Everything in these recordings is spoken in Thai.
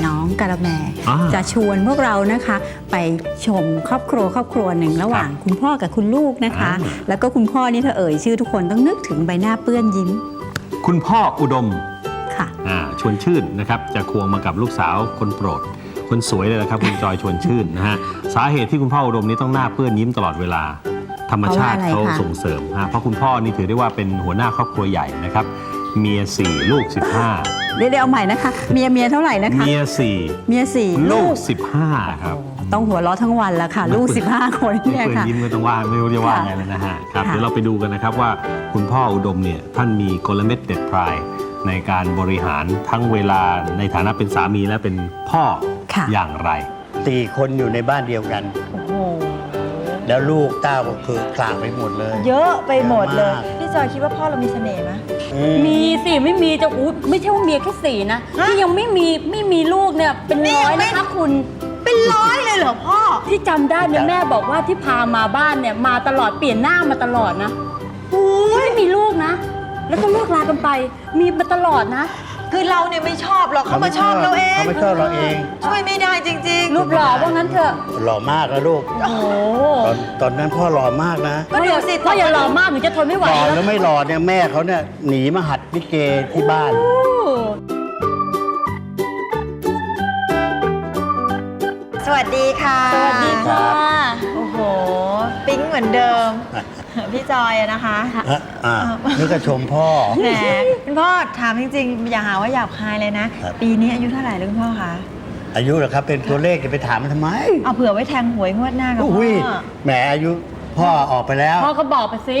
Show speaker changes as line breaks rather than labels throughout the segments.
น้องกะละแมจะชวนพวกเรานะคะไปชมครอบครัวหนึ่งระหว่างคุณพ่อกับคุณลูกนะคะแล้วก็คุณพ่อนี่ถ้าเอ่ยชื่อทุกคนต้องนึกถึงใบหน้าเปื้อนยิ้ม
คุณพ่ออุดม
ค่ะ
ชวนชื่นนะครับจะควงมากับลูกสาวคนโปรดคนสวยเลยนะครับคุณจอยชวนชื่นนะฮะสาเหตุที่คุณพ่ออุดมนี้ต้องหน้าเปื้อนยิ้มตลอดเวลาธรรมชาติเขาส่งเสริมเพราะคุณพ่อนี่ถือได้ว่าเป็นหัวหน้าครอบครัวใหญ่นะครับเมีย4ลูก15เดี๋ยว
เอาใหม่นะคะเมียเท่าไหร่นะคะ
เมีย4ลูก15ครับ
ต้องหัวเราะทั้งวันแล้วค่ะลูก15คนเนี่ยค่ะ
ยิ้มก็ต้องว่าไม่รู้จะว่าไงแล้วนะฮะครับเดี๋ยวเราไปดูกันนะครับว่าคุณพ่ออุดมเนี่ยท่านมีกลเม็ดเด็ดพรายในการบริหารทั้งเวลาในฐานะเป็นสามีและเป็นพ่ออย่างไร
4 คนอยู่ในบ้านเดียวกันแล้วลูกเต้าก็คือคลางไปหมดเลย
เยอะไปหมดเลยพี่จอยคิดว่าพ่อเรามีเสน่ห์ไหม
มีสิไม่มีจะไม่ใช่ว่าเมียแค่4นะที่ยังไม่มีลูกเนี่ยเป็นร้อยนะคะคุณ
เป็นร้อยเลยเหรอพ่อ
ที่จำได้เนี่ยแม่บอกว่าที่พามาบ้านเนี่ยมาตลอดเปลี่ยนหน้ามาตลอดนะไม่มีลูกนะแล้วก็เลิกลากันไปมีมาตลอดนะ
คือเราเนี่ยไม่ชอบหรอกเขามาชอบเราเอง
เขาไม่ชอบเราเอง
ช่วยไม่ได้จริง
ๆรูปหล่อว่างั้นเถอะ
หล่อมากแล้วลูกโอ้ตอนนั้นพ่อหล่อมากนะ
ก็เดี๋ยวสิพ่ออย่าหล่อมากหนูจะทนไม่ไหว
แล้วไม่หล่อเนี่ยแม่เขาเนี่ยหนีมาหัดลิเกที่บ้าน
สวัสดีค่ะ
สวัสดีค่ะ
โอ้โหปิ๊งเหมือนเดิมพี่จอยนะคะ
นี่ก็ชมพ่อ
แหมคุณพ่อถามจริงๆอย่าหาว่าหยาบคายเลยนะปีนี้อายุเท่าไหร่แล้วคุณพ่อคะ
อายุเหรอครับเป็นตัวเลขจะไปถามมันทำไม
เอาเผื่อไว้แทงหวยงวดหน้ากับพ่อ
แหมอายุพ่อออกไปแล้ว
พ่อก็บอกไปสิ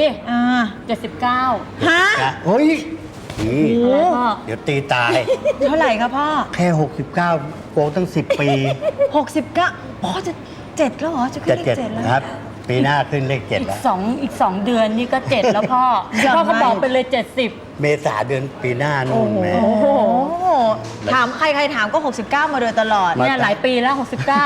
79
ฮะ
โอ้ยนี่เดี๋ยวตีตาย
เท่าไหร่ครับพ่อ
แค่69โกงตั้ง10 ปี
69พ่อจะ7แล้วเหรอจะขึ้นเลข7แล้ว
ครับปีหน้าขึ้นเลข7แล้ว
อีก2เดือนนี่ก็7แล้วพ่อก็บอกไปเลย70
เมษาเดือนปีหน้านู่นแม่
ถามใครถามก็69มาโดยตลอด
เนี่ยหลายปีแล้ว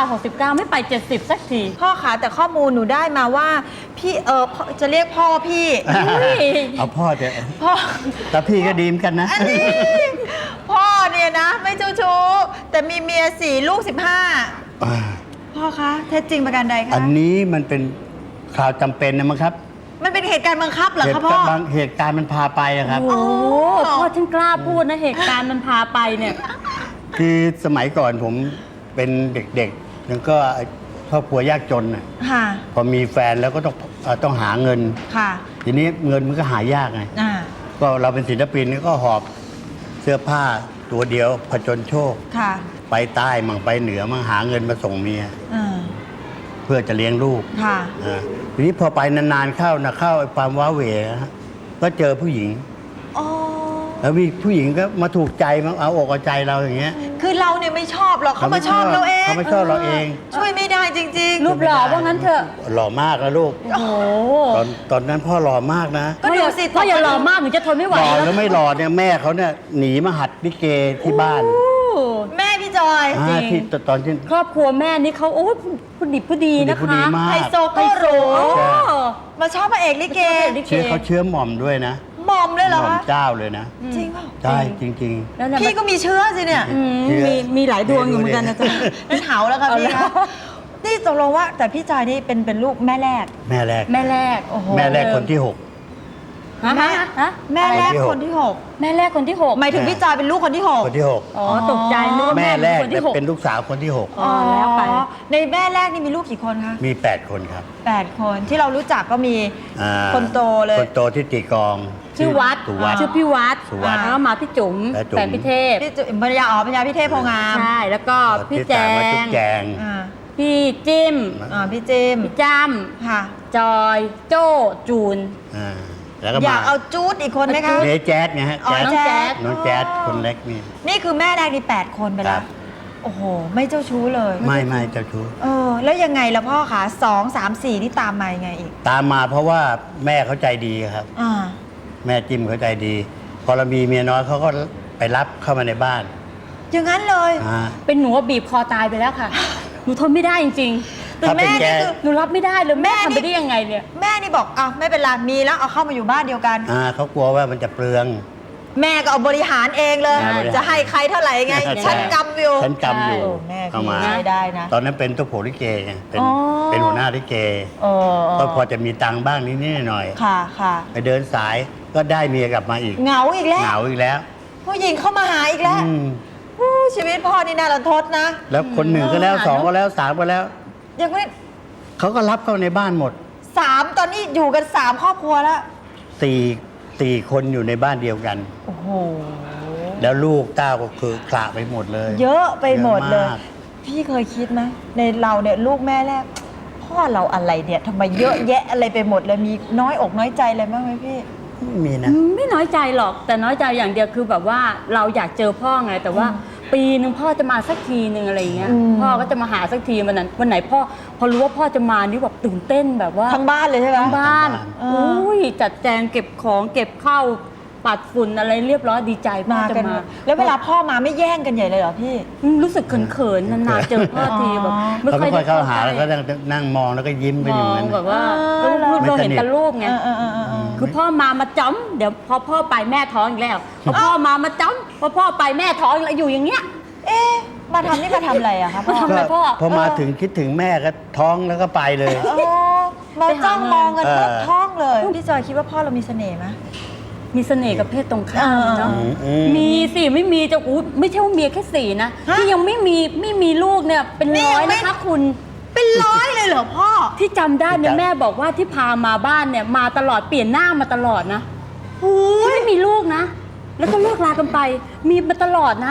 69ไม่ไป70สักที
พ่อคะแต่ข้อมูลหนูได้มาว่าพี่จะเรียกพ่อพี่
เอาพ่อเถอะพ่อแต่พี่ก็ดีมกันนะ
พ่อเนี่ยนะไม่เจ้าชู้แต่มีเมีย4ลูก15พ่อคะเท็จจริงประการใดคะ
อันนี้มันเป็นข่าวจำเป็นนะมั้งครับ
มันเป็นเหตุการณ์บังคับเหรอคะพ่อบ
างเหตุการณ์มันพาไปครับ
โอ้พ่อฉันกล้าพูดนะเหตุการณ์มันพาไปเนี่ย
คือสมัยก่อนผมเป็นเด็กๆแล้วก็ครอบครัวยากจนน่ะพอมีแฟนแล้วก็ต้องหาเงินทีนี้เงินมันก็หายากไงก็เราเป็นศิลปินก็หอบเสื้อผ้าตัวเดียวผจญโชคไปใต้มั่งไปเหนือมั่งหาเงินมาส่งเมียเพื่อจะเลี้ยงลูกทีนี้พอไปนานๆเข้าความว้าเหวก็เจอผู้หญิงแล้วมีผู้หญิงก็มาถูกใจมาเอาอกเอาใจเราอย่างเงี้ย
คือเราเนี่ยไม่ชอบหรอกเขามาชอบเราเอง
เขาไม่ชอบเราเอง
ช่วยไม่ได้จริงๆ
รูปหล่อว่างั้นเถอะ
หล่อมากแล้วลูกตอนนั้นพ่อหล่อมากนะ
ก็เดี๋ยวสิ
พ่ออย่าหล่อมากหนูจะทนไม่ไหว
หล่อแล้วไม่หล่อเนี่ยแม่เขาเนี่ยหนีมาหัดลิเกที่บ้าน
แม่พี่จอย
ที่ตอนที่
ครอบครัวแม่นี่เขาโอ้ผู้ดีผู้ดีนะคะ
ไฮโซก็รู้มาชอบพระเอกลิเก
เขาเชื้อหม่อมด้วยนะ
หม่อมเลยเหรอ
หม่อมเจ้าเลยนะ
จริงเปล่า
ใช่จริง
ๆพี่ก็มีเชื้อสิเนี่ย
มีหลายดวงอยู่เหมือนกันนะจ๊ะ
เป็นเถาแล้วค่ะพี่คะนี่ตกลงว่าแต่พี่จอยนี่เป็นลูกแม่แรก
โอ้โห
แม่แรกคนที่6
แม่แรกคนที่6
แม่แรกคนที่6
หมายถึงพี่จอยเป็นลูกคนที่6
คนที่6
อ๋อตกใจนึกว่า
แม่แรกเป็นลูกสาวคนที่6
แล้วไปในแม่แรกนี่มีลูกกี่คนคะ
มี8คนครับ
8คนที่เรารู้จักก็มีคนโตเลย
คนโตที่ตีกอง
ชื่อวัดชื่อพี่วัดแล้วก็มาพี่จุ๋มแฟนพี่เทพ
ภรรยาภรรยาพี่เทพโพงาม
ใช่แล้วก็พี่แจงพี่จิ้ม
พี่จิ้ม
พี่จ้ำค่ะจอยโจ้จูน
อยากเอาจูดอีกคนไหมคะ
เนแจ๊ดไงฮะ
น้องแ
จ๊ดคนเล็ก
นี่คือแม่แรกนี่8คนไปแล้วโอ้โหไม่เจ้าชู้เลย
ไม่เจ้าชู้
แล้วยังไงล่ะพ่อคะ2 3 4นี่ตามมายังไงอีก
ตามมาเพราะว่าแม่เขาใจดีครับแม่จิ้มเขาใจดีพอเรามีเมียน้อยเขาก็ไปรับเข้ามาในบ้าน
อย่างนั้นเลย
เป็นหนูบีบคอตายไปแล้วค่ะหนูทนไม่ได้จริงๆแต่แม่นี่คือหนูรับไม่ได้เลยแม่ทำไปได้ยังไงเนี่ย
แม่นี่บอกไม่เป็นไรมีแล้วเอาเข้ามาอยู่บ้านเดียวกัน
เขากลัวว่ามันจะเปลือง
แม่ก็เอาบริหารเองเลย
แม่บริหาร
จะให้ใครเท่าไหร่ไง
ใช่
ฉันกำอยู่
ฉันกำอยู่
โอ้แม่
เอามา
พี่ได้นะ
ตอนนั้นเป็นตัวโผลิเกไงเป็น
อ๋อ
เป็นหัวหน้าลิเก
เออ
ก็พอจะมีตังค์บ้างนิดๆหน่อย
ค่ะค่ะ
ๆไปเดินสายก็ได้เมียกลับมาอีก
เหงาอีกแล้ว
เหงาอีกแล้ว
ผู้หญิงเข้ามาหาอีกแล้ว
อืม
อู้ชีวิตพ่อนี่น่ารันทดนะ
แล้วคนหนึ่งก็แล้วสองก็แล้วสามก็แล้ว
ยังไม่
เขาก็รับเข้าในบ้านหมด
3ตอนนี้อยู่กัน3ครอบครัวแล้ว
สี่คนอยู่ในบ้านเดียวกัน
โอ้โห
แล้วลูกเต้าก็คือคละไปหมดเลย
เยอะไปหมดเลย
อะมาก
พี่เคยคิดไหมในเราเนี่ยลูกแม่แรกพ่อเราอะไรเนี่ยทำไมเยอะแยะอะไรไปหมดเลยมีน้อยอกน้อยใจอะไรบ้างไหมพี่
ไม่มีนะ
ไม่น้อยใจหรอกแต่น้อยใจอย่างเดียวคือแบบว่าเราอยากเจอพ่อไงแต่ว่าปีหนึ่งพ่อจะมาสักทีหนึ่งอะไรอย่างเงี้ย
อืม
พ่อก็จะมาหาสักทีวันไหนพ่อพอรู้ว่าพ่อจะมานี่แบบตื่นเต้นแบบว่า
ทั้งบ้านเลยใช่ไหม
ทั้งบ้าน
เออ
อุ้ยจัดแจงเก็บของเก็บข้าวปัดฝุ่นอะไรเรียบร้อยดีใจพ่อ
มา
จะ
กัน
มา
แล้วเวลาพ่อมาไม่แย่งกันใหญ่เลยเหรอพี่
รู้สึกเขินๆนานๆเจอพ่อทีแบบ
เขาไม่ค่อยเข้าหาแล้วก็
ได้
นั่งมองแล้วก็ยิ้มกัน
ม
อยู่
อ
นั้
ง
น
แบบว่า
เออ
เราเห็นแต่รูปไง
เออ
คือพ่อมาจ้ำเดี๋ยวพอพ่อไปแม่ท้องอีกแล้วพอพ่อมาจ้ำพอพ่อไปแม่ท้องอีกแล้วอยู่อย่างเงี้ย
เอ๊ะมาทำนี่มาทำอะไรอะคะพ่อ
มาทำอะไร พ่อ
พอมาถึงคิดถึงแม่ก็ท้องแล้วก็ไปเลย
อ๋อมาจ้องมองกัน
เออ
ปุ๊บท้องเลยพี่จอยคิดว่าพ่อเรามีเสน่ห์ไหม
มีเสน่ห์กับเพศตรงข้ามเนาะ
อืม
มีสิไม่มีจะอู้ไม่ใช่ว่าเมียแค่สี่นะ
ฮะ
ที่ยังไม่มีลูกเนี่ยเป็น
นี่
ร้อย
ยังไม่
นะคะคุณ
เป็นร้อยเลยเหรอพ่อ
ที่จำได้เนี่ยแม่บอกว่าที่พามาบ้านเนี่ยมาตลอดเปลี่ยนหน้ามาตลอดนะที่ไม่มีลูกนะ แล้วก็เลิกลากันไป มีมาตลอดนะ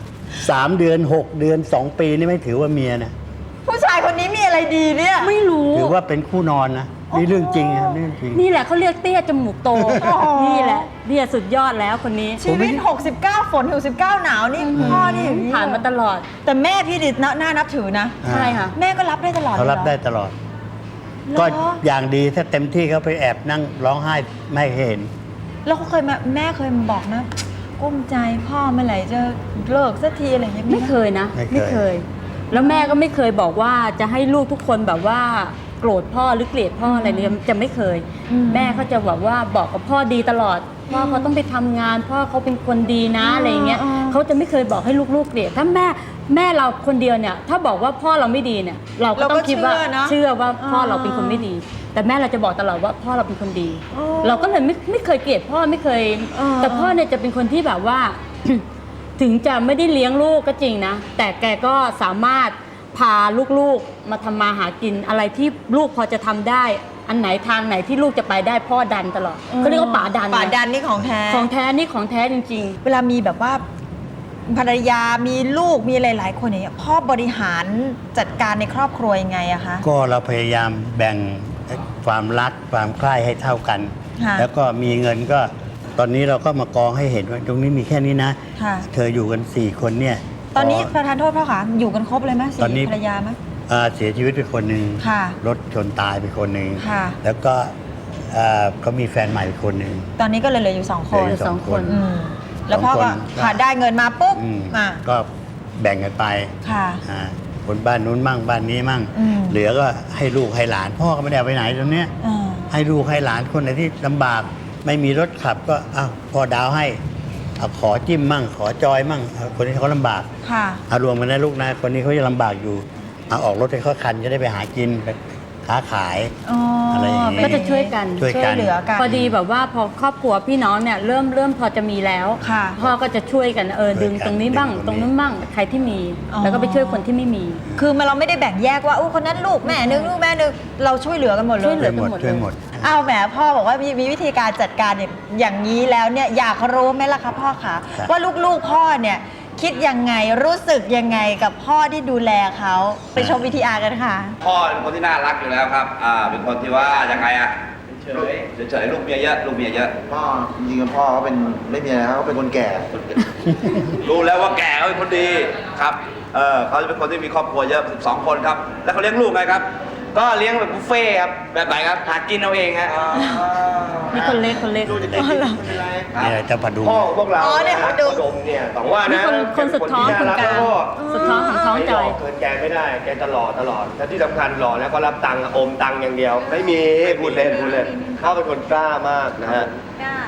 3 เดือน 6 เดือน 2 ปีนี่ไม่ถือว่าเมียนะ
ผู้ชายคนนี้มีอะไรดีเนี่ย
ไม่รู้
ถือว่าเป็นคู่นอนนะนี่เรื่องจริงนะนี่เรื่องจริง
นี่แหละเขาเรียกเตี้ยจมูกโต
อ๋อ
นี่แหละเนี่ยสุดยอดแล้วคนนี้
ชีวิต 69 ฝน 69 หนาวนี่พ่อนี่อย่างนี้
ผ่านมาตลอด
แต่แม่พี่ดิน่านับถือนะ
ใช่ค่ะ
แม่ก็รับได้ตลอด
เขารับ
ลยหอ
ได้ตลอด
เหรอ
ก็อย่างดีถ้าเต็มที่เขาไปแอบนั่งร้องไห้ไม่ให้เห็น
แล้วเขาเคยมาแม่เคยมาบอกนะกุ้มใจพ่อเมื่อไหร่จะเลิกสักทีอะไรอย่างเงี้ย
ไม่เคยนะ
ไม่เคย
แล้วแม่ก็ไม่เคยบอกว่าจะให้ลูกทุกคนแบบว่าโกรธพ่อหรือเกลียดพ่ออะไรเนี่ยจะไม่เคย แม่เขาจะแบบว่าบอกกับพ่อดีตลอดพ่อเขาต้องไปทำงาน พ่อเขาเป็นคนดีนะอะไรอย่างเงี้ยเขาจะไม่เคยบอกให้ลูกๆเกลียดถ้าแม่เราคนเดียวเนี่ยถ้าบอกว่าพ่อเราไม่ดีเนี่ยเราก็ต้องคิดว่าเชื่อว่าพ่อเราเป็นคนไม่ดี แต่แม่เราจะบอกตลอดว่าพ่อเราเป็นคนดี เราก็เลยไม่เคยเกลียดพ่อไม่เคย แต่พ่อเนี่ยจะเป็นคนที่แบบว่า ถึงจะไม่ได้เลี้ยงลูกก็จริงนะ แต่แกก็สามารถพาลูกๆมาทำมาหากินอะไรที่ลูกพอจะทำได้ อันไหนทางไหนที่ลูกจะไปได้พ่อดันตลอดเขาเรียกว่าป๋าดัน
ป่าดันนี่ของแท้
ของแท้นี่ของแท้จริง
เวลามีแบบว่าภรรยา มีลูก มีหลาย ๆ คนอย่างเงี้ยพ่อบริหารจัดการในครอบครัวยังไงอะคะ
ก็เราพยายามแบ่งความรักความใคร่ให้เท่ากัน
ค่ะ
แล้วก็มีเงินก็ตอนนี้เราก็มากองให้เห็นว่าตรงนี้มีแค่นี้นะ
ค่ะ
เธออยู่กัน 4 คนเนี่ย
ตอนนี้ประธานโทษพ่อคะอยู่กันครบเลยไหม
ตอนนี้
สี่ภรรยาไหม
เสียชีวิตไปคนหนึ่ง
ค่ะ
รถชนตายไปคนหนึ่ง
ค่ะ
แล้วก็เขามีแฟนใหม่ไปคนหนึ่ง
ตอนนี้ก็เลยเหลืออยู่2 คน
เหลืออยู่
สองคน
อืมแล้วพ่อก็
สองคน
ค่ะได้เงินมาปุ๊บ
อืม
อ่ะ
ก็แบ่งกันไป
ค่ะ
อ่าคนบ้านนู้นมั่งบ้านนี้มั่ง
อืม
เหลือก็ให้ลูกให้หลาน พ่อก็ไม่ได้เอาไปไหนตรงเนี้ย
อ่า
ให้ลูกให้หลานคนไหนที่ลำบาก ไม่มีรถขับก็อ้าวพ่อดาวให้เอาขอจิ้มมั่ง ขอจอยมั่งเอาคนที่เขาลำบาก
ค่ะ
เอารวมกันนะลูกนะคนนี้เขาจะลำบากอยู่เอาออกรถให้เขาคันจะได้ไปหากินไปค้าขาย
อ๋ออ
อะไรอย่างงี้
ก็จะช่วยกัน
ช่วย
ช่วยเหลือกัน
พอดีแบบว่าพอครอบครัวพี่น้องเนี่ยเริ่มพอจะมีแล้ว
ค่ะ
พ่อก็จะช่วยกันดึงตรงนี้บ้าง
ดึง
ตรงนู้นบ้างใครที่มี
อ๋อ
แล้วก็ไปช่วยคนที่ไม่มี
คือเราไม่ได้แบ่งแยกว่าอู้คนนั้นลูกแม่นึงลูกแม่นึงเราช่วยเหลือกันหมดเลย
ช่วยเหลื
ช่วยหมดช่วยหมด
เอาแหมพ่อบอกว่ามีวิธีการจัดการอย่างนี้แล้วเนี่ยอยากรู้ไหมล่ะคะพ่อคะ
ครับ
ว่าลูกๆพ่อเนี่ยคิดยังไงรู้สึกยังไงกับพ่อที่ดูแลเขาไปชมวิธีอากันค่ะ
พ่อเป็นคนที่น่ารักอยู่แล้วครับ เป็นคนที่ว่ายังไงอะเฉยๆลูกเมียเยอะ ลูกเมียเยอะ
พ่อจริงๆพ่อเขาเป็นไม่มีอะไรครับเขาเป็นคนแก่
รู้แล้วว่าแก่เขาเป็นคนดีครับ เขาจะเป็นคนที่มีครอบครัวเยอะ12 คนครับ แล้วเขาเลี้ยงลูกไงครับ
ก็เลี้ยงแบบบุฟเฟ่ต์ครับ
แบบไหนครับ
หากินเอาเองฮะ
นี่คนเล็ก
นี่แหละเจ้าผดุง
พ่อของพวกเรา
อ๋อเนี่ยเขาดู
ดมเนี่ยต้องว่านะ
คนสุดท้อง
เป็
คน
ที่
กลาง
รั
สุดท้องของท้องจอย
ไม่หลกเกินแกไม่ได้ แกตลอดและที่สำคัญหล่อแล้วก็รับตังค์อมตังค์อย่างเดียว ไม่มีพูดเล่นพ่อเป็นคนกล้ามากนะฮะ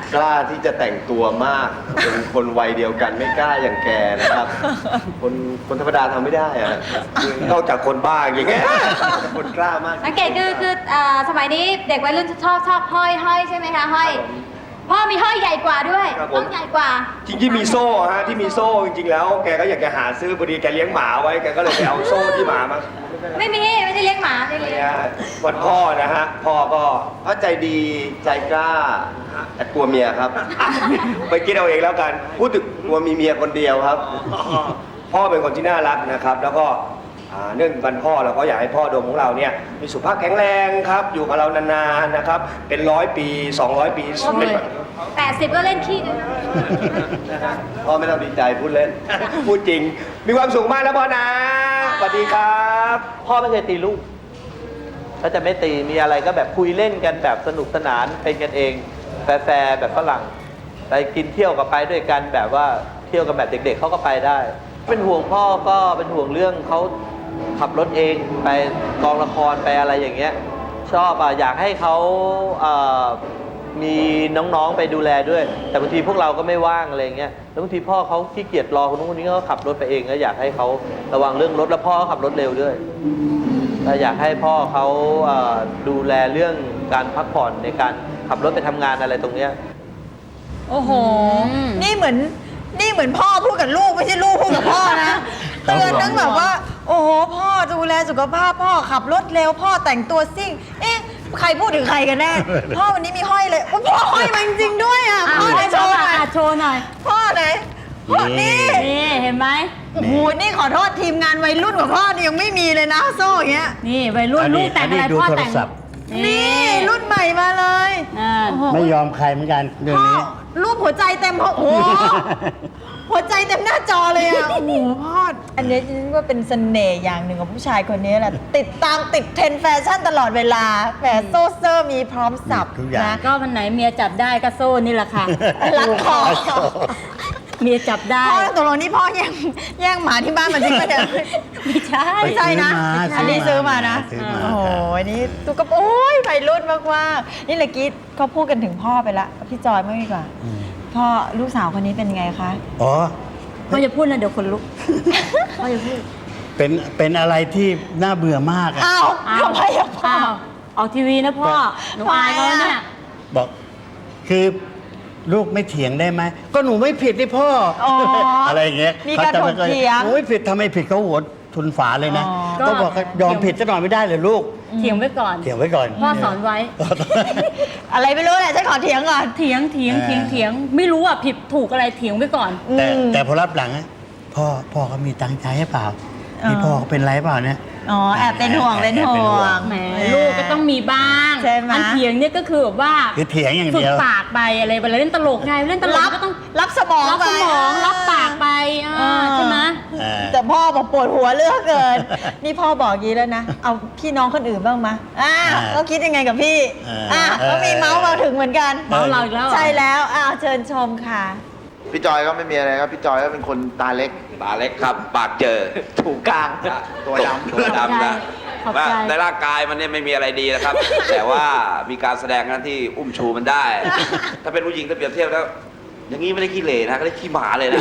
กล้าที่จะแต่งตัวมาก เป็นคนวัยเดียวกันไม่กล้าอย่างแกนะครับ คนธรรมดาทำไม่ได้อะนอกจากคนบ้าอย่างเงี้ยคนกล้ามาก
สังเกตคือสมัยนี้เด็กวัยรุ่นชอบห้อยใช่ไหมคะห้อยพ่อมีห้อยใหญ่กว่าด้วย
ครับผม
ต้องใหญ่กว่า
จริงๆมีโซ่ฮะที่มีโซ่จริงๆแล้วแกก็อยากจะหาซื้อพอดีแกเลี้ยงหมาไว้แกก็เลยไปเอาโซ่ที่หมามา
ไม่ได้เลี้ยงหมาไม่ได้เลี้ยง
เนี่ยวันพ่อนะฮะพ่อก็พ่อใจดีใจกล้าแต่กลัวเมียครับ ไปคิดเอาเองแล้วกันพูดถึงกลัวมีเมียคนเดียวครับ พ่อเป็นคนที่น่ารักนะครับ แล้วก็เนื่องวันพ่อเราก็อยากให้พ่อโดมของเราเนี่ยมีสุขภาพแข็งแรงครับอยู่กับเรานานๆนะครับเป็น100 ปี200 ปีเป็นแบบ
80 ก็เล่นขี้กัน
พ่อไม่ต้องดีใจพูดเล่น พูดจริง มีความสุขมากนะพ่อนะสวัสดีครับ
พ่อไม่เคยตีลูกเขาจะไม่ตีมีอะไรก็แบบคุยเล่นกันแบบสนุกสนานเป็นกันเองแฟร์ๆแบบฝรั่งไปกินเที่ยวกับไปด้วยกันแบบว่าเที่ยวกันแบบเด็กๆเขาก็ไปได้ เป็นห่วงพ่อก็เป็นห่วงเรื่องเขาขับรถเองไปกองละครไปอะไรอย่างเงี้ยชอบอยากให้เขามีน้องๆไปดูแลด้วย แต่บางทีพวกเราก็ไม่ว่างอะไรเงี้ยแล้วบางทีพ่อเขาขี้เกียจรอคนนู้นคนนี้เขาขับรถไปเองก็อยากให้เขาระวังเรื่องรถแล้วพ่อเขาขับรถเร็วด้วยอยากให้พ่อเขาดูแลเรื่องการพักผ่อนในการขับรถไปทำงานอะไรตรงเนี้ย
โอ้โห นี่เหมือนพ่อพูดกับลูกไม่ใช่ลูกพูดกับพ่อนะเตือนตั้งแบบว่า โอ้โหพ่อดูแลสุขภาพพ่อขับรถเร็วพ่อแต่งตัวซิ่ง เอ๊ะใครพูดถึงใครกันแน่ พ่อวันนี้มีห้อยเลยโอ้พ่อห้อยมาจริงๆด้วยอ่ะพ่อไหนโชว์หน่อย
โชว์หน่อย
พ่อไหนพ่อนี่
นี่เห็นไหม
โอ้โหนี่ขอโทษทีมงานวัยรุ่นกว่าพ่อนี่ยังไม่มีเลยนะโซ่อย่างเงี้ย
นี่วัยรุ่นลูกแต่งอะไร
ดู
พ่อ
โทร
แต่ง
ศัพท์
นี่รุ่นใหม่มาเลย โอ้โห
ไม่ยอมใครเหมือนกันเรื่อง
พ่อ
นี้
รูปหัวใจเต็มโอ้โห หัวใจเต็มหน้าจอเลยอ่ะ โอ้โหพ่อ อันนี้ฉันว่าเป็นเสน่ห์อย่างหนึ่งของผู้ชายคนนี้แหละ ติดตามติดเทรนด์แฟชั่นตลอดเวลาแหมโซ่เซอร์มีพร้อมสับ
ทุกอย่าง
นะ
ก็วันไหนเมียจับได้ก็โซ่นี่แหละค่ะ
รัดคอ
เมียจับได้
พ่อตกลงนี่พ่อแย่งหมาที่บ้านมาจริงไหมเนี่ย
ไม่ใช่
ไม่ใช่นะ อันนี้ซื้อมานะ
ซื้อมา
โอ้โหนี่ตุ๊กโอ้ยวัยรุ่นมากๆนี่เมื่อกี้เขาพูดกันถึงพ่อไปละพี่จอยไม่ดีกว่า พ่อลูกสาวคนนี้เป็นไงคะ
อ๋อ
พ่อจะพูดนะเดี๋ยวคนลุก พ่อจะพูด
เป็นอะไรที่น่าเบื่อมากอะ
อ้าวทำไมอะพ่อ
อ้าวออกทีวีนะพ่อ หนูอายเขาเนี่ย
บอกคือลูกไม่เถียงได้ไหมก็หนูไม่ผิดนี่พ่อ
อ๋ออ
อะไรอย่างเงี้ย
มีการถกเถียง
หนูไม่ผิดทำไมผิดเขาหัวทุนฝาเลยนะ
อ๋อ
ก็บอกว่ายอมผิดจะหน่อยไม่ได้เลยลูก
เถียงไว้ก่อน
เถียงไว้ก่อน
พ่อสอนไว้
อะไรไม่รู้แหละฉันขอเถียงก่อน
เถียง ไม่รู้อ่ะผิดถูกอะไรเถียงไว้ก่อน
แต่พอรับหลังอะพ่อเขามีตังค์ใช้ให้เปล่านี่พ่อเขาเป็นไรเปล่าเนี่ย
อ๋อแอบเป็นห่วงเป็นห่วง
แหมลูกก็ต้องมีบ้าง
ใช่ไหม
อันเถียงเนี่ยก็คือแบบว่า
คือเถียงอย่าง
ฝึ
เดี
ก
ยว
ปากไปอะไรเวลาเล่นตลกไงเล่นตลกก็ต้อง
รับสมอง
รับ
ไป
สมองรับปากไปใช่ไหม
แต่พ่อบอกปวดหัวเลือกเกิน นี่พ่อบอกงี้แล้วนะ เอาพี่น้องคนอื่นบ้างมะก็คิดยังไงกับพี่ก็มีเมาส์มาถึงเหมือนกัน
เมาเราอีกแล้วเหรอ
ใช่แล้วเชิญชมค่ะ
พี่จอยก็ไม่มีอะไรครับ พี่จอยก็เป็นคนตาเล็ก
ตาเล็กครับ ปากเจอ
ถูกกลาง ตัวดำ
ตัวดำนะ
ขอบใจ
ในร่างกายมันเนี่ยไม่มีอะไรดีนะครับ แต่ว่ามีการแสดงนั้นที่อุ้มชูมันได้ ถ้าเป็นผู้หญิงถ้าเปรียบเทียบแล้ว อย่างนี้ไม่ได้ขี้เหร่นะก็ได้ขี้หมาเลยนะ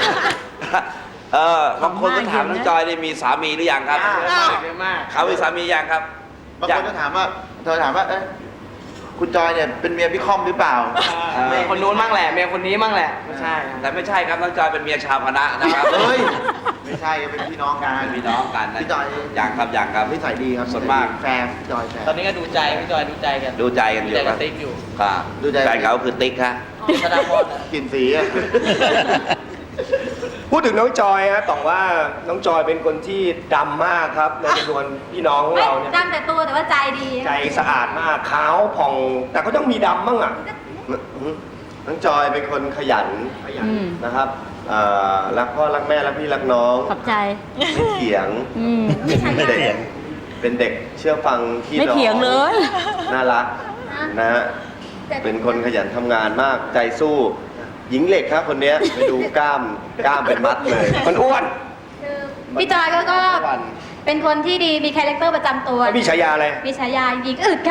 บางคนก็ถามน้องจอยนี่มีสามีหรือยังครับ
เยอะมาก
เขามีสามียังครับ
บางคนก็ถามว่าเธอถามว่า เอ๊ะคุณจอยเนี่ยเป็นเมียพี่ค่อมหรือเปล่า
เมียคนนู้นมั่งแหละเมียคนนี้มั่งแหละไม่ใช่
แต่ไม่ใช่ครับน้องจอยเป็นเมียชาวคณะนะครับ
เฮ้ย ไม่ใช่เป็นพี่น้องกัน
เป็นพี่น้องกันนะ
พี่จอย
ยังครับยังครับ
นิสัยดีครับ
ส่วนมาก
แฟร์พี่จอยแฟร์
ตอนนี้ก็ดูใจพี่จอยดูใจกัน
ดูใจกันอยู่
ดูใจ
ค
กั
รั
บบ ติ๊กอยู่
ครับ
ดูใจ
แฟนเขาคือติ๊กฮะ
ธนาพร
กลิ่นสีอะ
พูดถึงน้องจอยฮะต้องว่าน้องจอยเป็นคนที่ดำมากครับในจำนวนพี่น้องของเราเนี่ย
ดำแต่ตัวแต่ว่าใจดี
ใจสะอาดมากขาวผ่อง แต่ก็ต้องมีดำบ้างอ่ะ
น้องจอยเป็นคนขยัน
อืม
นะครับรักพ่อรักแม่รักพี่รักน้อง
ขอบใจ
ไม่เถียง
อืม
เป็นเด็กเป็นเด็กเชื่อฟังพี่
ไม่
น้อง
เถียงเลย
น่ารักนะฮะเป็นคนขยันทำงานมากใจสู้ หญิงเหล็กครับคนเนี้ยไปดูกล้ามเป็นมัดเลย
มันอ้วน
คือพี่จอยก็เป็นคนที่ดีมีคาแรคเตอร์ประจำตัว
แล้วมีฉายาอะไร
มีฉายาหญิงอึดค่ะ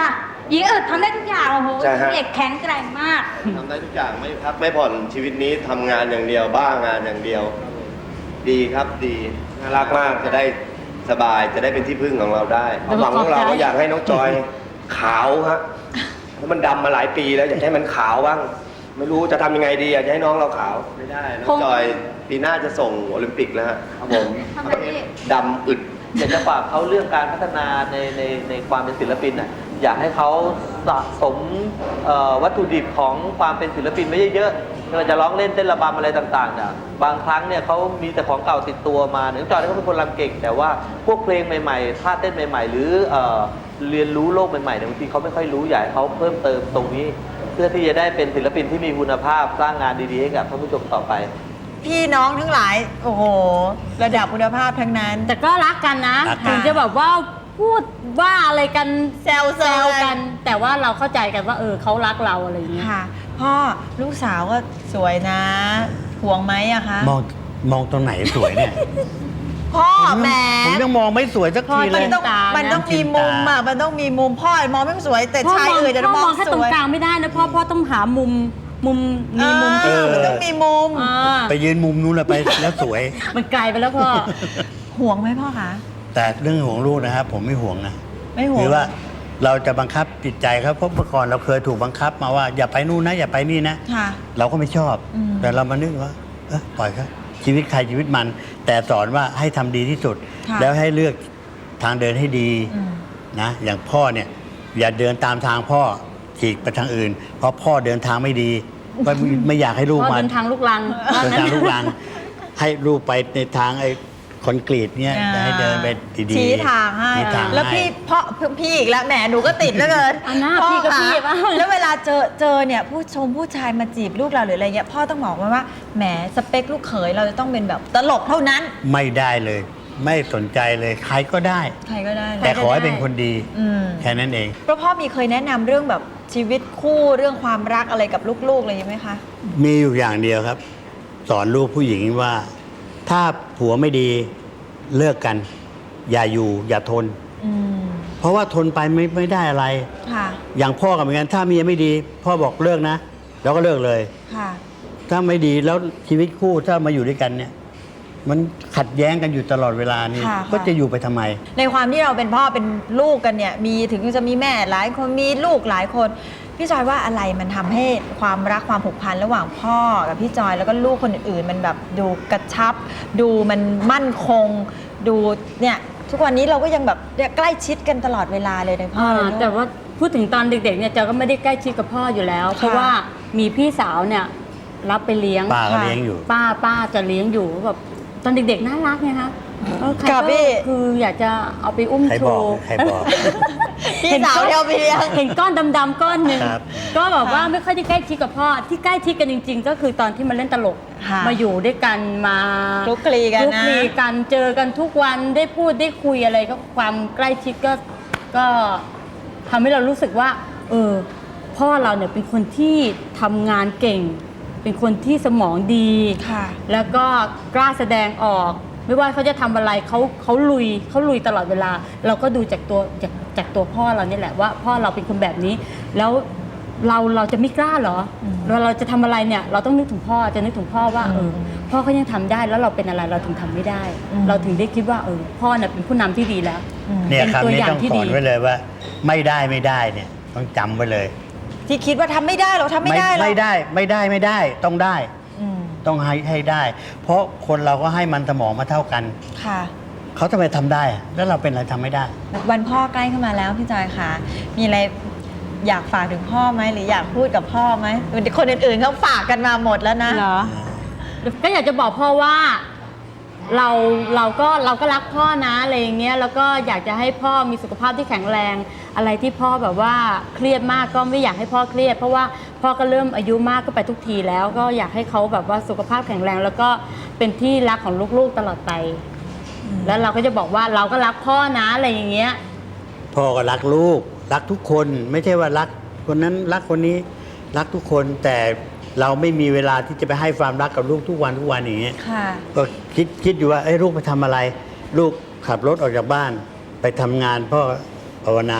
หญิงอึดทำได้ทุกอย่างโอ้โห
ใช่ฮะ
เด็กแข็งแกร่งมาก
ทำได้ทุกอย่างไม่พักไม่ผ่อนชีวิตนี้ทำงานอย่างเดียวบ้างานอย่างเดียว ดีครับดีน่ารักมากจะได้สบายจะได้เป็นที่พึ่งของเราได้ความหวังของเราก็อยากให้น้องจอยขาวฮะเพราะมันดำมาหลายปีแล้วอยากให้มันขาวบ้าง ไม่รู้จะทำยังไงดีอยากให้น้องเราขาวไม่ได้น้องจอยปีหน้าจะส่งโอลิมปิกแล้วฮะครับผม
ทำไมพี่
ดำอึด
อยากจะฝากเขาเรื่องการพัฒนาในความเป็นศิลปินน่ะอยากให้เขาสะสมวัตถุดิบของความเป็นศิลปินไม่เยอะๆไม่ว่าจะร้องเล่นเต้นระบำอะไรต่างๆเนี่ยบางครั้งเนี่ยเขามีแต่ของเก่าติดตัวมาน้องจอยเขาเป็นคนรำเก่ง แต่ว่าพวกเพลงใหม่ๆท่าเต้นใหม่ๆ หรือเรียนรู้โลกใหม่ๆเนี่ยบางทีเขาไม่ค่อยรู้อยากให้เขาเพิ่มเติมตรงนี้ เพื่อที่จะได้เป็นศิลปินที่มีคุณภาพสร้างงานดีๆให้กับท่านผู้ชมต่อไป
พี่น้องทั้งหลาย โอ้โห ระดับคุณภาพทั้งนั้น
แต่ก็รักกันนะ
รักกัน
ถึงจะแบบว่าพูดว่าอะไรกัน
แซวๆ
แซวกัน แต่ว่าเราเข้าใจกันว่าเขารักเราอะไรอย่างเงี้ย
ค่ะ พ่อลูกสาวก็สวยนะห่วงไหมอะคะ
มองตรงไหนสวยเนี่ย
พ่อแหม
ผมยังมองไม่สวยสักทีเล
มั
ย
นต้องมีมุมอะมันต้องมีมุมพ่อมองไม่สวย แต่
พ่อ
ชาย
มอง
อื่นจะ
พ่อ
ม
ม
อ
อง งแค่
ส
ตรง
วย
กลางไม่ได้นะพ่อต้องหามุมมีมุม
มันต้องมีมุม
อ่า
ไปยืนมุมนู้นเลยไปแล้วสวย
มันไกลไปแล้วพ่อ
ห่วงไหมพ่อคะ
แต่เรื่องห่วงลูกนะครับผมไม่ห่วงนะ
ไม่ห่วง
คือว่าเราจะบังคับจิตใจครับเพราะเมื่อก่อนเราเคยถูกบังคับมาว่าอย่าไปนู่นนะอย่าไปนี่นะ
ค่ะ
เราก็ไม่ชอบ
อืม
แต่เรามานึกว่าปล่อยครับชีวิตใครชีวิตมัน แต่สอนว่าให้ทำดีที่สุด
ค่ะ
แล้วให้เลือกทางเดินให้ดี
อืม
นะอย่างพ่อเนี่ยอย่าเดินตามทางพ่อฉีกไปทางอื่น เพราะพ่อเดินทางไม่ดีก็ไม่อยากให้ลูก
พ่อ
มา
เดินทางลูกลัง
เดินทางลูกลังให้ลูกไปในทางไอ้คอนกรีตเนี่ยให้เดินไปดีๆ
ชี้ทางให้
ชี้ทาง
แล้ว
ให้
พี่อีกแล้วแหมหนูก็ติดแล้วเกิน
อันหน้าพี่ก็พี่
คะ
บ้าง
แล้วเวลาเจอเนี่ยผู้ชายมาจีบลูกเราหรืออะไรเงี้ยพ่อต้องบอกว่าแหมสเปคลูกเขยเราจะต้องเป็นแบบตลกเท่านั้น
ไม่ได้เลย ไม่สนใจเลยใครก็ได้
ใครก็ได้เลย
แต่ขอให้เป็นคนดี
อืม
แค่นั้นเอง
เพราะพ่อมีเคยแนะนำเรื่องแบบชีวิตคู่เรื่องความรักอะไรกับลูกๆอะไรไหมคะ
มีอยู่อย่างเดียวครับ สอนลูกผู้หญิงว่า ถ้าผัวไม่ดีเลิกกัน อย่าอยู่อย่าทน
อืม
เพราะว่าทนไปไม่ได้อะไร
ค่ะ
อย่างพ่อกับเหมือนกันถ้าเมียไม่ดี พ่อบอกเลิกนะแล้วก็เลิกเลย
ค่ะ
ถ้าไม่ดีแล้วชีวิตคู่ถ้ามาอยู่ด้วยกันเนี่ย มันขัดแย้งกันอยู่ตลอดเวลานี่
ค่ะ
ก็จะอยู่ไปทำไม
ในความที่เราเป็นพ่อเป็นลูกกันเนี่ยมีถึงจะมีแม่หลายคนมีลูกหลายคนพี่จอยว่าอะไรมันทำให้ความรักความผูกพันระหว่างพ่อกับพี่จอยแล้วก็ลูกคนอื่นๆมันแบบดูกระชับ ดูมันมั่นคง ดูเนี่ยทุกวันนี้เราก็ยังแบบใกล้ชิดกันตลอดเวลาเลยนะพ่อเลยลูก
แต่ว่าพูดถึงตอนเด็กๆเนี่ยเจอก็ไม่ได้ใกล้ชิดกับพ่ออยู่แล้ว เพราะว่ามีพี่สาวเนี่ยรับไปเลี้ยง
ป้าก็เลี้ยงอยู่
ป้าจะเลี้ยงอยู่แบบตอนเด็กๆน่ารักไงคะใคร
กับ
ก็
พี่
คืออยากจะเอาไปอุ้ม
ใคร
โช
บอก
ว์
ใครบอก
พี่สาวเดียวไปเลี้ยง
เห็นก้อนดำๆก้อนหนึ่ง
ครับ
ก็แบบว่าไม่ค่อยได้ใกล้ชิดกับพ่อที่ใกล้ชิดกันจริง ๆ ก็คือตอนที่มาเล่นตลก
ค่ะ
มาอยู่ด้วยกันมา
คลุกคลีกันนะ
คลุกคลีกันเจอกันทุกวันได้พูดได้คุยอะไรก็ความใกล้ชิดก็ทำให้เรารู้สึกว่าพ่อเราเนี่ยเป็นคนที่ทำงานเก่ง เป็นคนที่สมองดี
ค่ะ
แล้วก็กล้าแสดงออก ไม่ว่าเขาจะทำอะไรเขาลุยตลอดเวลา เราก็ดูจากตัวพ่อเรานี่แหละว่าพ่อเราเป็นคนแบบนี้ แล้วเราจะไม่กล้าเหรอเราจะทำอะไรเนี่ยเราต้องนึกถึงพ่อจะนึกถึงพ่อว่าพ่อเขายังทำได้แล้วเราเป็นอะไรเราถึงทำไม่ได้ เราถึงได้คิดว่าพ่อเนี่ยเป็นผู้นำที่ดีแล้ว
เนี่ย
เป็น
คำ
ตัว
นี้
อย่าง
ต้อง
ที่
สอ
ดี
นไว้เลยว่า ไม่ได้เนี่ยต้องจำไว้เลย
ที่คิดว่าทำไม่ได้เราทำไม่ได้หรอก
ไม่ได้ต้องได้
อืม
ต้องให้ได้ เพราะคนเราก็ให้มันสมองมาเท่ากัน
ค่ะ
เขาทำไมทำได้อะแล้วเราเป็นอะไรทำไม่ได้
วันพ่อใกล้เข้ามาแล้วพี่จอยค่ะ มีอะไรอยากฝากถึงพ่อไหมหรืออยากพูดกับพ่อไหมคนอื่นๆเขาฝากกันมาหมดแล้วนะ
เหรอ ก็อยากจะบอกพ่อว่าเราก็รักพ่อนะอะไรอย่างเงี้ยแล้วก็อยากจะให้พ่อมีสุขภาพที่แข็งแรง อะไรที่พ่อแบบว่าเครียดมากก็ไม่อยากให้พ่อเครียด เพราะว่าพ่อก็เริ่มอายุมากก็ไปทุกทีแล้วก็อยากให้เขาแบบว่าสุขภาพแข็งแรง แล้วก็เป็นที่รักของลูกๆตลอดไป แล้วเราก็จะบอกว่าเราก็รักพ่อนะอะไรอย่างเงี้ย
พ่อก็รักลูกรักทุกคนไม่ใช่ว่ารักคนนั้นรักคนนี้รักทุกคนแต่เราไม่มีเวลาที่จะไปให้ความรักกับลูกทุกวันอย่างเงี้ย
ค่ะ
ก็คิดอยู่ว่าลูกไปทำอะไร ลูกขับรถออกจากบ้านไปทำงานพ่อภาวนา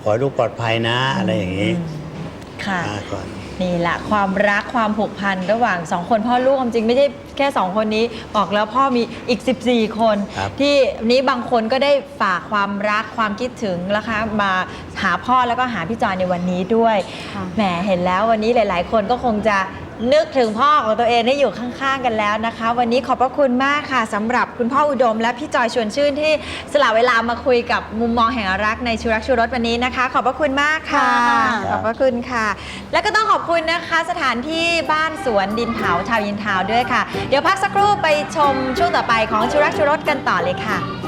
ขอให้ลูกปลอดภัยนะอะไรอย่างนี้
ค่ะ
ก่อน
นี่แหละความรักความผูกพันระหว่างสองคนพ่อลูกความจริงไม่ใช่แค่2คนนี้บอกแล้วพ่อมีอีก14 คน
ครับ
ที่นี้บางคนก็ได้ฝากความรักความคิดถึงนะคะมาหาพ่อแล้วก็หาพี่จอยในวันนี้ด้วย
ค่ะ
แหมเห็นแล้ววันนี้หลาย ๆ คนก็คงจะนึกถึงพ่อของตัวเองได้อยู่ข้างๆกันแล้วนะคะ วันนี้ขอบพระคุณมากค่ะสำหรับคุณพ่ออุดมและพี่จอยชวนชื่นที่สละเวลามาคุยกับมุมมองแห่งรักในชูรักชูรสวันนี้นะคะ ขอบพระคุณมากค่ะ ขอบพระคุณค่ะ แล้วก็ต้องขอบคุณนะคะสถานที่บ้านสวนดินเผาชาวยินทาวน์ด้วยค่ะ เดี๋ยวพักสักครู่ไปชมช่วงต่อไปของชูรักชูรสกันต่อเลยค่ะ